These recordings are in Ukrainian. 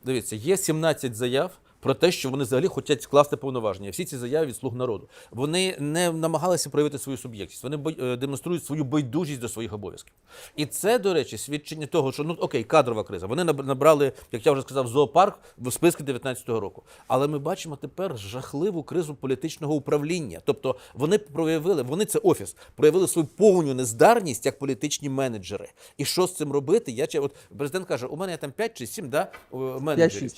Дивіться, є 17 заяв про те, що вони взагалі хочуть скласти повноваження. Всі ці заяви від «Слуг народу». Вони не намагалися проявити свою суб'єктність. Вони демонструють свою байдужість до своїх обов'язків. І це, до речі, свідчення того, що, ну окей, кадрова криза. Вони набрали, як я вже сказав, зоопарк в списки 19-го року. Але ми бачимо тепер жахливу кризу політичного управління. Тобто вони це офіс, проявили свою повну нездарність як політичні менеджери. І що з цим робити? От президент каже, у мене є там 5 чи 7 менеджерів.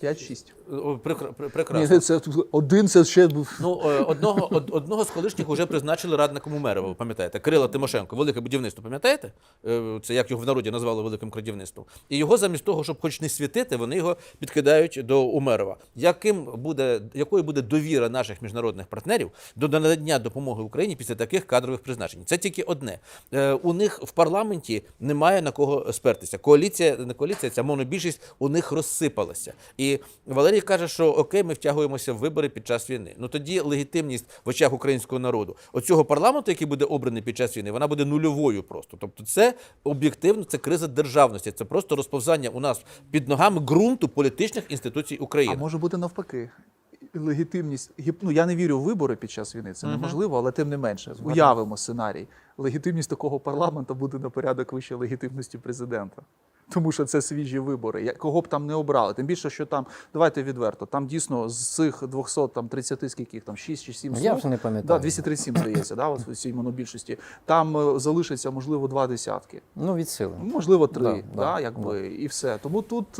5-6. Прекрасно. Ні, це один, це ще був. Ну, одного з колишніх вже призначили радником мера, ви пам'ятаєте, Кирила Тимошенко, велике будівництво, пам'ятаєте? Це як його в народі назвали великим крадівництвом. І його замість того, щоб хоч не світити, вони його підкидають до Умерова. Якою буде довіра наших міжнародних партнерів до надання допомоги Україні після таких кадрових призначень? Це тільки одне. У них в парламенті немає на кого спертися. Не коаліція, ця монобільшість у них розсипалася. І Валерій каже, що окей, ми втягуємося в вибори під час війни. Ну тоді легітимність в очах українського народу оцього парламенту, який буде обраний під час війни, вона буде нульовою просто. Тобто це об'єктивно, це криза державності, це просто розповзання у нас під ногами ґрунту політичних інституцій України. А може бути навпаки. Легітимність, ну я не вірю в вибори під час війни, це неможливо, але тим не менше, уявимо сценарій. Легітимність такого парламенту буде на порядок вище легітимності президента. Тому що це свіжі вибори. Кого б там не обрали. Тим більше, що там, давайте відверто, там дійсно з цих 230, скільки їх там, 6 чи 7 Я вже не пам'ятаю. 237, здається, в цій монобільшості. Там залишиться, можливо, 2 десятки. Ну, від сили. Можливо, 3, і все. Тому тут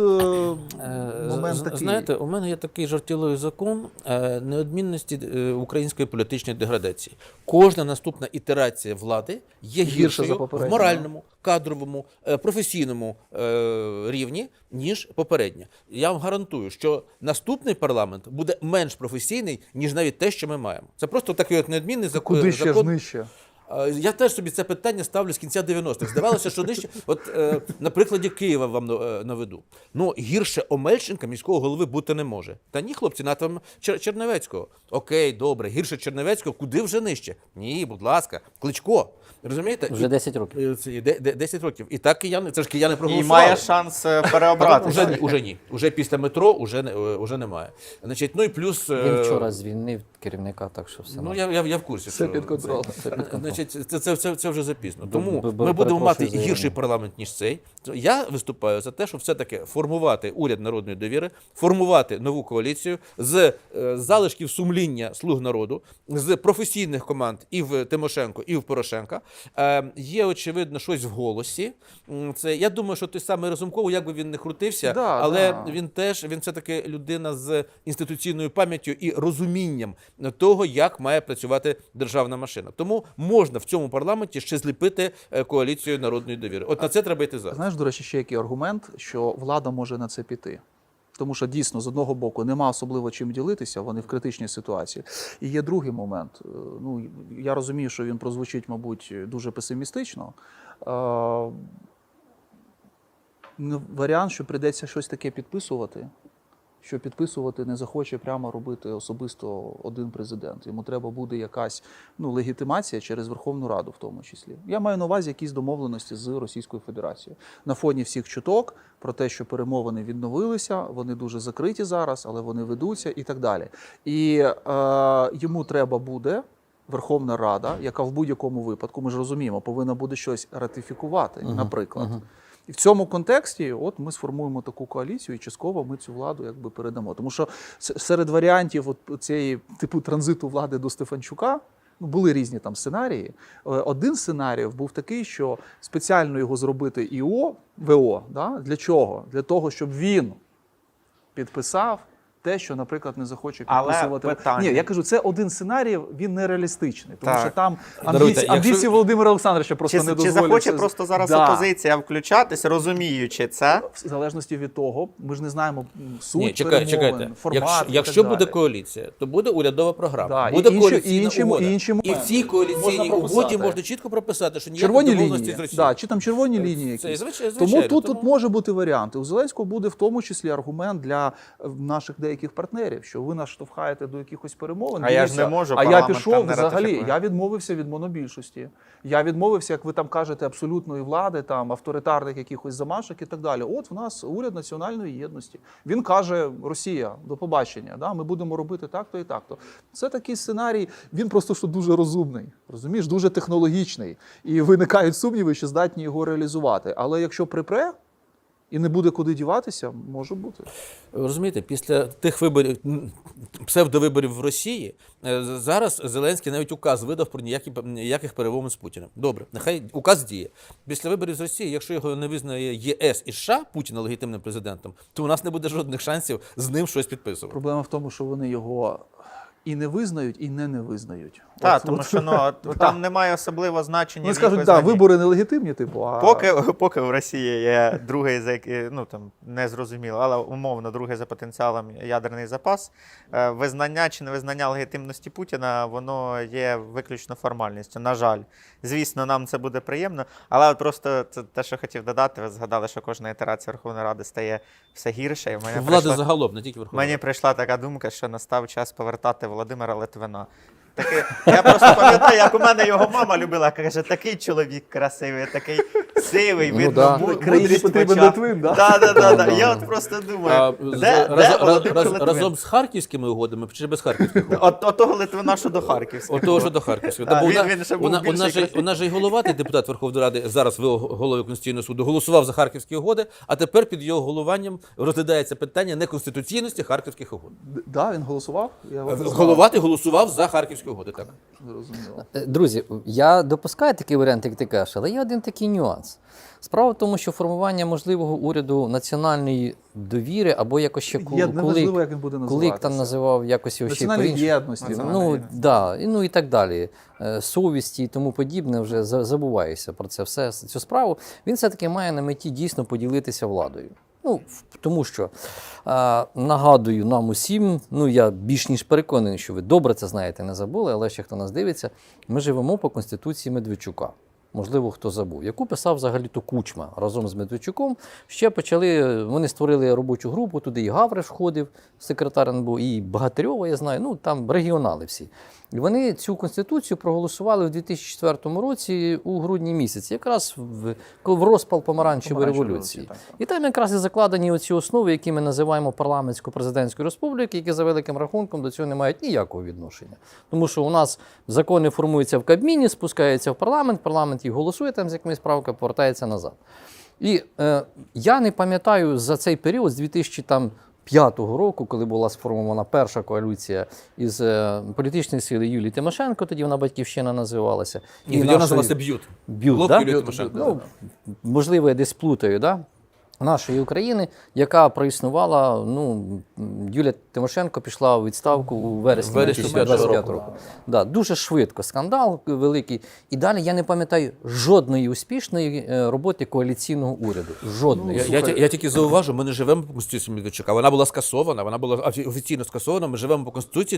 момент такий. Знаєте, у мене є такий жартівливий закон неодмінності української політичної деградації. Кожна наступна ітерація влади є гіршою в моральному, кадровому, професійному рівні, ніж попередня. Я вам гарантую, що наступний парламент буде менш професійний, ніж навіть те, що ми маємо. Це просто такий от неодмінний закон. Куди ще ж нижче? Я теж собі це питання ставлю з кінця 90-х. Здавалося, що нижче, на прикладі Києва вам наведу. Ну, гірше Омельченка міського голови бути не може. Та ні, хлопці, на там Чернівецького. Окей, добре, гірше Чернівецького, куди вже нижче? Ні, будь ласка, Кличко. Розумієте? Вже 10 років. 10 років. І так кияни, це ж кияни проголосували. І має шанс переобрати. Уже ні. Уже після метро уже немає. Значить, ну і плюс... Він вчора звільнив керівника, так що все. Ну, я в курсі. Все під контролем. Значить, це вже запізно. Тому ми будемо мати гірший парламент, ніж цей. Я виступаю за те, щоб все-таки формувати уряд народної довіри, формувати нову коаліцію з залишків сумління «Слуг народу», з професійних команд і в Тимошенко, і в Порошенка. Є, очевидно, щось в голосі. Я думаю, що той самий Разумков, як би він не крутився, але він все-таки людина з інституційною пам'яттю і розумінням того, як має працювати державна машина. Тому можна в цьому парламенті ще зліпити коаліцію народної довіри. От на це треба йти зараз. Знаєш, до речі, ще який аргумент, що влада може на це піти. Тому що дійсно, з одного боку, нема особливо чим ділитися, вони в критичній ситуації. І є другий момент. Ну, я розумію, що він прозвучить, мабуть, дуже песимістично. Варіант, що прийдеться щось таке підписувати, що підписувати не захоче прямо робити особисто один президент. Йому треба буде якась легітимація через Верховну Раду в тому числі. Я маю на увазі якісь домовленості з Російською Федерацією. На фоні всіх чуток про те, що перемовини відновилися, вони дуже закриті зараз, але вони ведуться і так далі. І йому треба буде Верховна Рада, яка в будь-якому випадку, ми ж розуміємо, повинна буде щось ратифікувати, наприклад. І в цьому контексті от ми сформуємо таку коаліцію і частково ми цю владу якби передамо. Тому що серед варіантів цієї типу транзиту влади до Стефанчука були різні там сценарії. Один з сценаріїв був такий, що спеціально його зробити ВО. Для чого? Для того, щоб він підписав те, що, наприклад, не захоче підписувати. Ні, я кажу, це один сценарій, він нереалістичний. Тому що там амбіції Володимира Олександровича просто не дозволять. Чи захоче просто зараз опозиція включатись, розуміючи це? В залежності від того, ми ж не знаємо суть перемовин, формат. Якщо буде коаліція, то буде урядова програма, буде коаліційна угода. І в цій коаліційній угоді можна чітко прописати, що ніякі домовленості з Росією. Чи там червоні лінії якісь. Тому тут може бути варіанти. У Зеленського буде в тому числі аргумент для наших деяких деяких партнерів, що ви нас штовхаєте до якихось перемовин. А я ж дивіться, не можу, а я парламент пішов там не взагалі, ратифікує. я відмовився від монобільшості. Я відмовився, як ви там кажете, абсолютної влади, там авторитарних якихось замашок і так далі. От в нас уряд національної єдності. Він каже: Росія, до побачення, да, ми будемо робити так-то і так-то. Це такий сценарій, він просто що дуже розумний, розумієш, дуже технологічний. І виникають сумніви, що здатні його реалізувати. Але якщо припре і не буде куди діватися, може бути. Розумієте, після тих виборів, псевдовиборів в Росії, зараз Зеленський навіть указ видав про ніяких перемовин з Путіним. Добре, нехай указ діє. Після виборів з Росії, якщо його не визнає ЄС і США, Путіна легітимним президентом, то у нас не буде жодних шансів з ним щось підписувати. Проблема в тому, що вони його і не визнають, і не визнають. Так, От, тому от. що там немає особливого значення. Вони в їх скажуть, визнанні. так, вибори нелегітимні, типу, а Поки в Росії є другий, ну там не зрозуміло, але умовно другий за потенціалом ядерний запас, визнання чи невизнання легітимності Путіна, воно є виключно формальністю. На жаль, звісно, нам це буде приємно, але от просто це те, що хотів додати, ви згадали, що кожна ітерація Верховної Ради стає все гірше. І в мене Влади загалом, не тільки Верховної. Мені прийшла така думка, що настав час повертати Володимира Литвина. Я просто пам'ятаю, як у мене його мама любила, каже, такий чоловік красивий, такий сивий, Ну, видно, да. Країні мудрість в потрібен очах. Литвин, да? Да. Я от просто думаю, де Володимир Литвин? Разом з харківськими угодами чи без харківських угод? От того Литвина, що до Харківського. От того, що до Харківського. А, Та, бо він ще був більший вона ж і головатий депутат Верховної Ради, зараз головою Конституційного суду, голосував за харківські угоди, а тепер під його головуванням розглядається питання неконституційності харківських угод. Да, він голосував? Я от не знав. Головатий голосував за харківські угоди, так. Зрозуміло. Друзі, я допускаю такий варіант, як ти кажеш, але є один такий нюанс. Справа в тому, що формування можливого уряду національної довіри або якось ще Є неважливо, як він буде Кулик називатися. там називав якось його ще Національної по-іншому. єдності. Ну, да, ну і так далі. Совісті і тому подібне, вже забуваєшся про це все, цю справу. Він все-таки має на меті дійсно поділитися владою. Ну, тому що, нагадую нам усім, ну я більш ніж переконаний, що ви добре це знаєте, не забули, але ще хто нас дивиться, ми живемо по Конституції Медведчука. Можливо, хто забув, яку писав взагалі-то Кучма разом з Медведчуком. Ще почали, вони створили робочу групу, туди і Гавриш входив, секретар НБУ, і Богатирьова, я знаю, ну там регіонали всі. І вони цю Конституцію проголосували в 2004 році у грудні місяці, якраз в розпал помаранчевої революції. Так. І там якраз і закладені оці основи, які ми називаємо парламентсько-президентською республікою, які за великим рахунком до цього не мають ніякого відношення. Тому що у нас закони формуються в Кабміні, спускаються в парламент їх голосує, там з якимись правками повертається назад. І я не пам'ятаю за цей період з 2005 року, коли була сформована перша коаліція із політичної сили Юлії Тимошенко, тоді вона «Батьківщина» називалася. І тоді вона називалася «Б'ют». «Б'ют», Блок да? Юлії Тимошенко. Ну, можливо, я десь плутаю, да? Нашої України, яка проіснувала, ну, Юлія Тимошенко пішла у відставку у вересні 2025 року. Да, дуже швидко, скандал великий. І далі я не пам'ятаю жодної успішної роботи коаліційного уряду. Жодної. Я тільки зауважу, ми не живемо по Конституції Медведчука. Вона була скасована, вона була офіційно скасована. Ми живемо по Конституції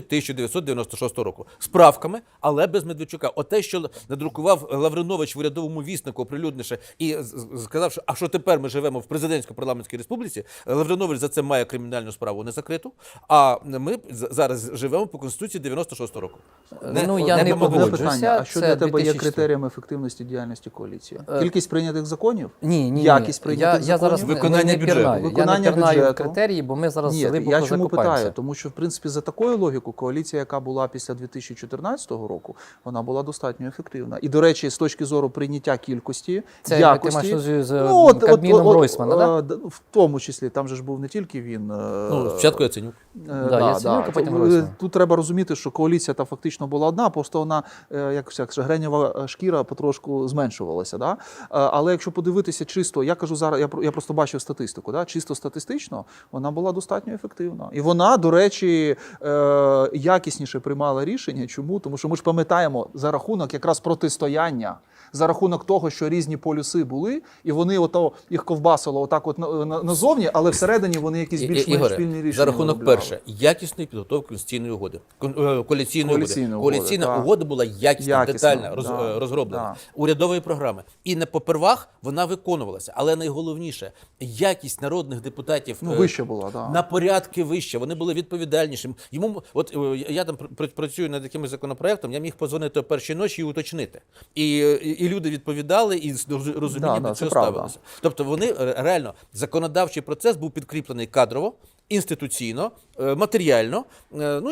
1996 року. З правками, але без Медведчука. Оте, що надрукував Лавринович в урядовому віснику, оприлюднивши, і сказав, що а що тепер ми живемо в президентсько-парламентській республіці, Лавринович за це має кримінальну справу не закриту, а ми зараз живемо по Конституції 96 року. Ну, я не Одне погоджуюся. питання, а що Це для тебе є 2004? критерієм ефективності діяльності коаліції? Кількість прийнятих законів? Ні. Якість прийнятих Я зараз законів? Виконання не бюджету. пірнаю. Виконання Я не пірнаю бюджету. критерії, бо ми зараз Ні, глибоко я чому закопаємося. питаю? Тому що, в принципі, за такою логікою, коаліція, яка була після 2014 року, вона була достатньо ефективна. І, до речі, з точки зору прийняття кількості, Це якості... ти маєш з Кабміном Гройсмана, да? В тому числі, там же ж був не тільки він. Ну, спочатку Яценюк. Яценюк, а потім Гройсман. Тут треба розуміти, що коаліція та фактично була одна, просто вона, як гренєва шкіра потрошку зменшувалася. Да? Але якщо подивитися чисто, я кажу зараз, я просто бачив статистику, да? Чисто статистично, вона була достатньо ефективна. І вона, до речі, якісніше приймала рішення. Чому? Тому що ми ж пам'ятаємо за рахунок якраз протистояння, за рахунок того, що різні полюси були, і вони їх ковбасило отак от назовні, але всередині вони якісь більш-менш Ігоре, спільні рішення за рахунок виробляли. перше, якісної підготовки конституційної угоди. Коаліційної угоди. Коаліційна так. угода була якісна, детальна, да, розроблена. да. Урядової програми. І не попервах вона виконувалася. Але найголовніше, якість народних депутатів Вище була, да. на порядки вище. Вони були відповідальнішими. Йому, от я там працюю над якимось законопроектом, я міг позвонити о першій ночі і уточнити. І люди відповідали, і з розумінням Да, до це цього правда. ставилися. Тобто вони реально, законодавчий процес був підкріплений кадрово, інституційно, матеріально, ну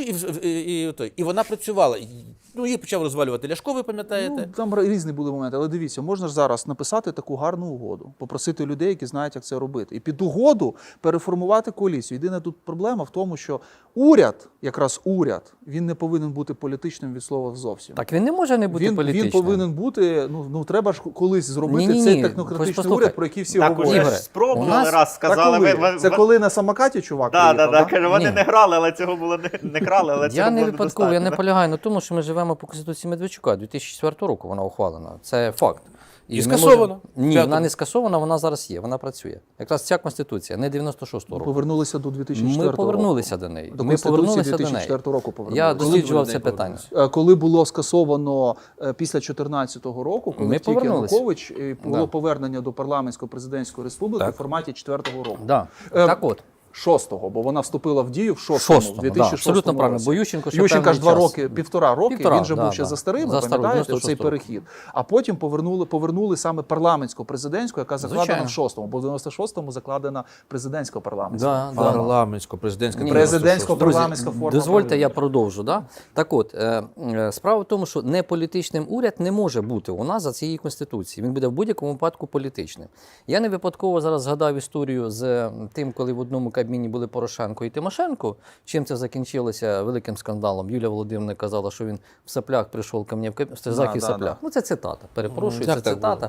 і вона працювала. Ну, її почав розвалювати Ляшко, ви пам'ятаєте? Ну, там різні були моменти, але дивіться, можна ж зараз написати таку гарну угоду, попросити людей, які знають, як це робити. І під угоду переформувати коаліцію. Єдина тут проблема в тому, що уряд, якраз уряд, він не повинен бути політичним від слова зовсім. Так він не може не бути Він політичним. повинен бути, ну треба ж колись зробити Ні-ні-ні, цей хоч технократичний послухай. уряд, про який всі Так говорять. уже Ігоре, ж спробували у нас- раз, сказали. Так коли? Це коли на самокаті чувак Так, приїхав, каже, вони Ні. не грали, але цього було не крали, але цього Я не було випадково, я не недостатньо. полягаю на тому, що ми живемо по Конституції Медведчука. 2004 року вона ухвалена. Це факт. І ми скасована. можемо- Ні, П'ятому. вона не скасована, вона зараз є, вона працює. Якраз ця Конституція, не 96-го року. Повернулися до 2004 Ми року. повернулися до неї. До Ми Конституції повернулися до неї. 2004 року повернулися. Я досліджував Коли це вони питання. Коли було скасовано після 2014 року, коли Ми втік повернулися. Янукович, було Да. повернення до парламентсько-президентської республіки Так. в форматі 4-го року. Да. Е, Так от, 6-го, бо вона вступила в дію в 6-му, в Шостому, 2006 да, абсолютно правильно. році. Бо Ющенко ще Ющенка ж певний 2 час. роки, 1,5 роки, Півтора, він же да, був ще да. за старим, За старим, пам'ятаєте, 96 цей року. перехід. А потім повернули саме парламентсько-президентську, яка закладена Звичайно. в 6-му, бо в 96-му закладена президентсько-парламентська. Да, да. Парламентсько-президентська. Ні. Президентсько-парламентська форма. дозвольте, я продовжу. Да? Так от, справа в тому, що неполітичним уряд не може бути у нас за цією Конституцією. Він буде в будь-якому випадку політичним. Я не випадково зараз згадав історію з тим, коли в одному кабміні були Порошенко і Тимошенко. Чим це закінчилося великим скандалом? Юлія Володимирівна казала, що він в соплях прийшов ко мені в кабінет, в стежах і в Да, соплях. да. Ну, це цитата, перепрошую, Так, це так цитата.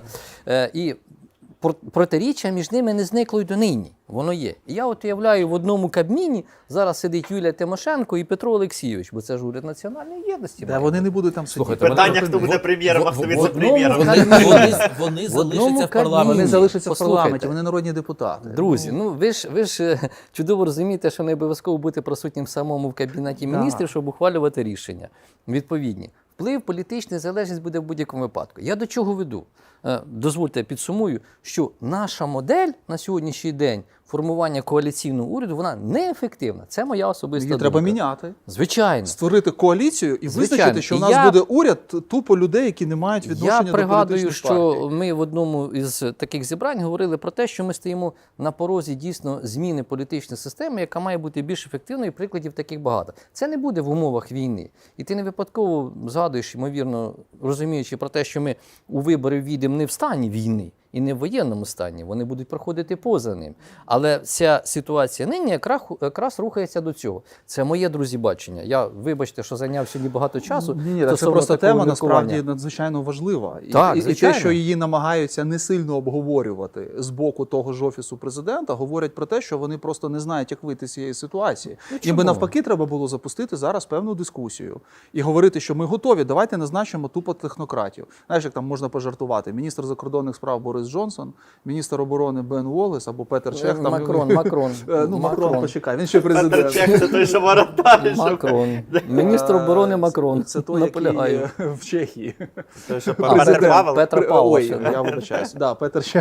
І протиріччя між ними не зникло й донині. Воно є. І я от уявляю, в одному кабміні зараз сидить Юлія Тимошенко і Петро Олексійович, бо це ж уряд національної єдності. Де має вони бути. не будуть там сидіти. Слухайте, Питання, хто буде прем'єром, а хто в віце-прем'єром. одному Вони В одному залишаться в кабміні. парламенті. Вони залишаться в Послухайте. парламенті, вони народні депутати. Друзі, ну ви ж чудово розумієте, що не обов'язково бути присутнім самому в кабінеті Да. міністрів, щоб ухвалювати рішення відповідні. Вплив політичної залежність буде в будь-якому випадку. Я до чого веду? Дозвольте, я підсумую, що наша модель на сьогоднішній день формування коаліційного уряду, вона неефективна. Це моя особиста Її думка. треба міняти. Звичайно. Створити коаліцію і Звичайно. визначити, що в І нас я- буде уряд тупо людей, які не мають відношення Я до пригадую, політичних що партій. ми в одному із таких зібрань говорили про те, що ми стоїмо на порозі дійсно зміни політичної системи, яка має бути більш ефективною, і прикладів таких багато. Це не буде в умовах війни. І ти не випадково згадуєш, ймовірно, розуміючи про те, що ми у вибори війдемо не в стані війни і не в воєнному стані, вони будуть проходити поза ним. Але ця ситуація нині якраз рухається до цього. Це моє, друзі, бачення. Я, вибачте, що зайняв сьогодні багато часу. Ні, це стосовно просто такого тема міркування. насправді надзвичайно важлива. Так, І те, звичайно. що її намагаються не сильно обговорювати з боку того ж офісу президента, говорять про те, що вони просто не знають, як вийти з цієї ситуації. Їм чому? би навпаки треба було запустити зараз певну дискусію і говорити, що ми готові, давайте назначимо тупо технократів. Знаєш, як там можна пожартувати? Міністр закордонних справ Борис Джонсон, міністр оборони Бен Уоллес або Петер Чех. Там, Макрон. Макрон, почекай, він ще Петр президент. Чех, це той, що воротарі. Макрон. Міністр оборони Макрон. Це той, Наполягаю. який в Чехії. Той, що А, Петр Павел. Петр Павел. Ой, ще, да. я вибачаюсь. Да, Петер Чех.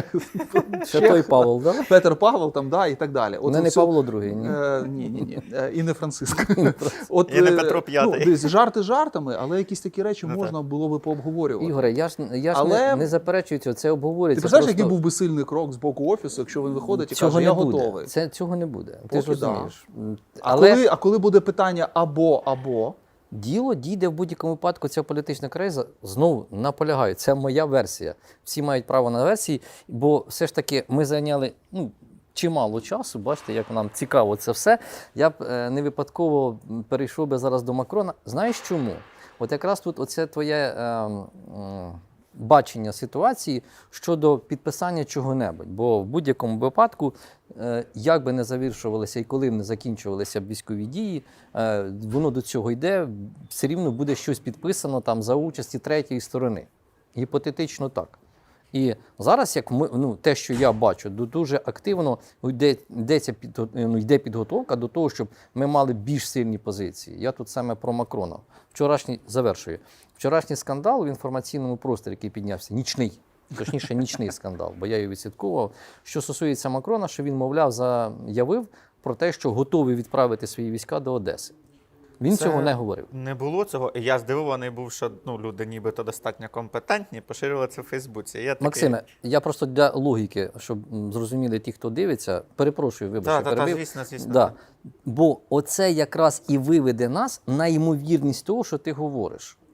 Ще той Павел, да? Петер Павел там, да, і так далі. Не оце- Павло II, ні. Ні. І не Франциск. От, І не Петро П'ятий. Ну, дивись, жарти жартами, але якісь такі речі Ну, можна було би пообговорювати. Ігоре, я ж Але- не заперечую цього, це Ти обговорюється. представляєш, просто... який був би сильний крок з боку офісу, якщо він виходить і Цього каже, не я буде. готовий. Цього не буде. Ти ж Поки да. розумієш. А коли буде питання або, Діло дійде в будь-якому випадку, ця політична криза, знову наполягаю, це моя версія. Всі мають право на версії, бо все ж таки ми зайняли чимало часу, бачите, як нам цікаво це все. Я б не випадково перейшов би зараз до Макрона. Знаєш чому? От якраз тут оце твоє бачення ситуації щодо підписання чого-небудь. Бо в будь-якому випадку, як би не завершувалися і коли б не закінчувалися б військові дії, воно до цього йде, все рівно буде щось підписано там за участі третьої сторони. Гіпотетично так. І зараз, як те, що я бачу, дуже активно йде підготовка до того, щоб ми мали більш сильні позиції. Я тут саме про Макрона. Вчорашній скандал в інформаційному просторі, який піднявся, нічний скандал, бо я його відслідковував. Що стосується Макрона, що він, мовляв, заявив про те, що готовий відправити свої війська до Одеси. Він цього не говорив. Не було цього. І я здивований був, що люди нібито достатньо компетентні, поширювали це в Фейсбуці. Я такий... Максиме, я просто для логіки, щоб зрозуміли ті, хто дивиться, перепрошую, вибачте, перебив. Звісно. Да. Бо оце якраз і виведе нас на ймовірність того, що ти говориш.